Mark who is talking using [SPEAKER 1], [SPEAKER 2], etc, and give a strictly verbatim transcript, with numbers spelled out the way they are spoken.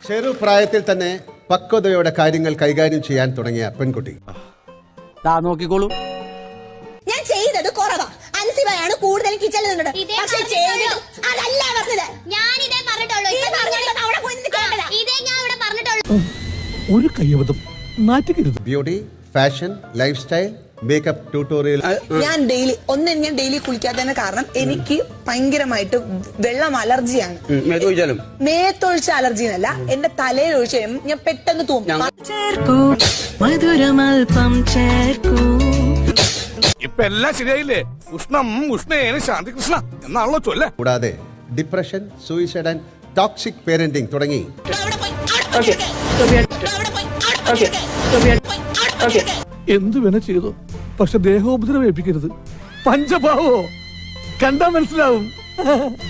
[SPEAKER 1] ചെറുപ്രായത്തിൽ തന്നെ പക്വതയോടെ കാര്യങ്ങൾ കൈകാര്യം ചെയ്യാൻ തുടങ്ങിയ പെൺകുട്ടി.
[SPEAKER 2] നോക്കിക്കോളൂ,
[SPEAKER 3] ഞാൻ ചെയ്തത് കുറവാ. അൻസിബയാണ് കൂടുതൽ കിച്ചണിൽ നിന്നത്. പക്ഷേ ചെയ്തത് അതല്ല പറഞ്ഞത്. ഞാൻ ഇതേ പറഞ്ഞിട്ടുള്ളൂ. ഇതേ പറഞ്ഞിട്ടുള്ളൂ. അവിടെ പോയി നിന്ന് കേട്ടതാ. ഇതേ ഞാൻ ഇവിടെ പറഞ്ഞിട്ടുള്ളൂ.
[SPEAKER 4] ഒരു കയ്യബദ്ധം നാറ്റിക്കരുത്.
[SPEAKER 1] Beauty, fashion, lifestyle, makeup tutorial.
[SPEAKER 5] ഞാൻ ഡെയിലി ഒന്ന് ഞാൻ ഡെയിലി കുളിക്കാത്തതിന് കാരണം എനിക്ക് ഭയങ്കരമായിട്ട് വെള്ളം അലർജിയാണ്. മേത്തൊഴിച്ച അലർജി എന്നല്ല, എന്റെ തലയിൽ ഒഴിച്ച് കഴിയുമ്പോൾ ഞാൻ പെട്ടെന്ന് തൂങ്ങും.
[SPEAKER 4] ഇപ്പൊ എല്ലാം ശരിയായില്ലേ? ഉഷ്ണം ഉഷ്ണേന ശാന്തി കൃഷ്ണ എന്നാണല്ലോ ചൊല്ല.
[SPEAKER 1] കൂടാതെ depression, suicide and toxic parenting തുടങ്ങി
[SPEAKER 4] എന്തു വേണ ചെയ്തു, പക്ഷെ ദേഹോപദ്രവേൽപ്പിക്കരുത്. പഞ്ചഭാവോ കണ്ടാ മനസ്സിലാവും.